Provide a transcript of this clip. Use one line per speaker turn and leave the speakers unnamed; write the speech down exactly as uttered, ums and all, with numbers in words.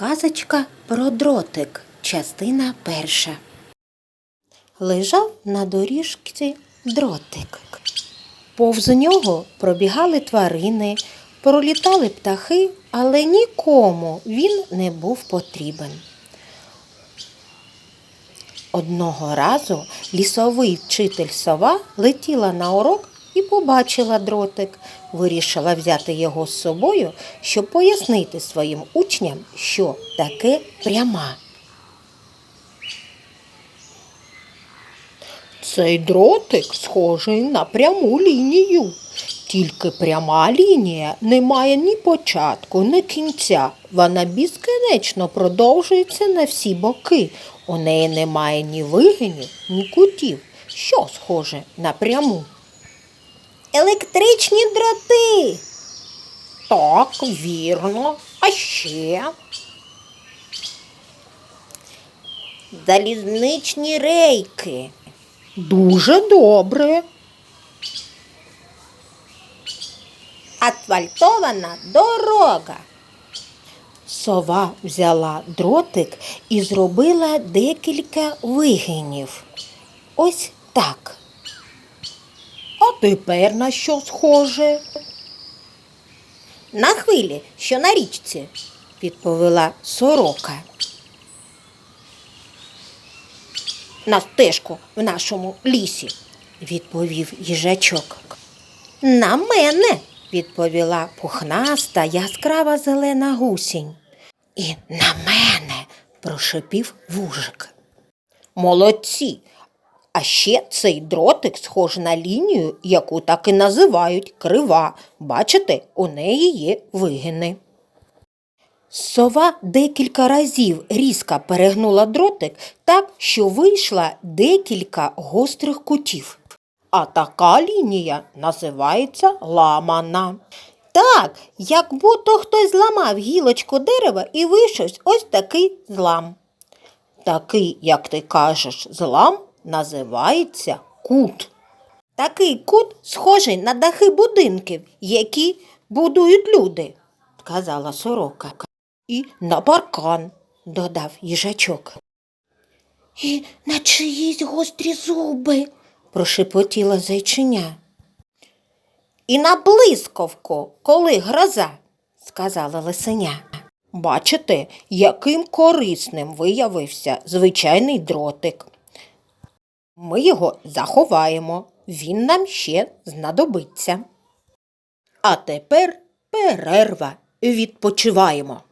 Казочка про дротик. Частина перша. Лежав на доріжці дротик. Повз нього пробігали тварини, пролітали птахи, але нікому він не був потрібен. Одного разу лісовий вчитель сова летіла на урок і побачила дротик. Вирішила взяти його з собою, щоб пояснити своїм учням, що таке пряма.
Цей дротик схожий на пряму лінію. Тільки пряма лінія не має ні початку, ні кінця. Вона безкінечно продовжується на всі боки. У неї немає ні вигинів, ні кутів. Що схоже на пряму?
Електричні дроти.
Так, вірно. А ще?
Залізничні рейки.
Дуже добре.
Асфальтована дорога.
Сова взяла дротик і зробила декілька вигинів. Ось так. А тепер на що схоже?
На хвилі, що на річці,
відповіла сорока.
на стежку в нашому лісі,
відповів їжачок.
На мене,
відповіла пухнаста яскрава зелена гусінь. І на мене, прошепів вужик.
Молодці! А ще цей дротик схожий на лінію, яку так і називають крива. Бачите, у неї є вигини.
Сова декілька разів різко перегнула дротик так, що вийшла декілька гострих кутів.
А така лінія називається ламана.
Так, як будто хтось зламав гілочку дерева і вийшов ось такий злам.
Такий, як ти кажеш, злам називається кут.
Такий кут схожий на дахи будинків, які будують люди, сказала сорока.
І на паркан,
додав їжачок.
І на чиїсь гострі зуби,
прошепотіла зайчиня.
І на блискавку, коли гроза, сказала лисеня.
Бачите, яким корисним виявився звичайний дротик. Ми його заховаємо, він нам ще знадобиться. А тепер перерва, відпочиваємо.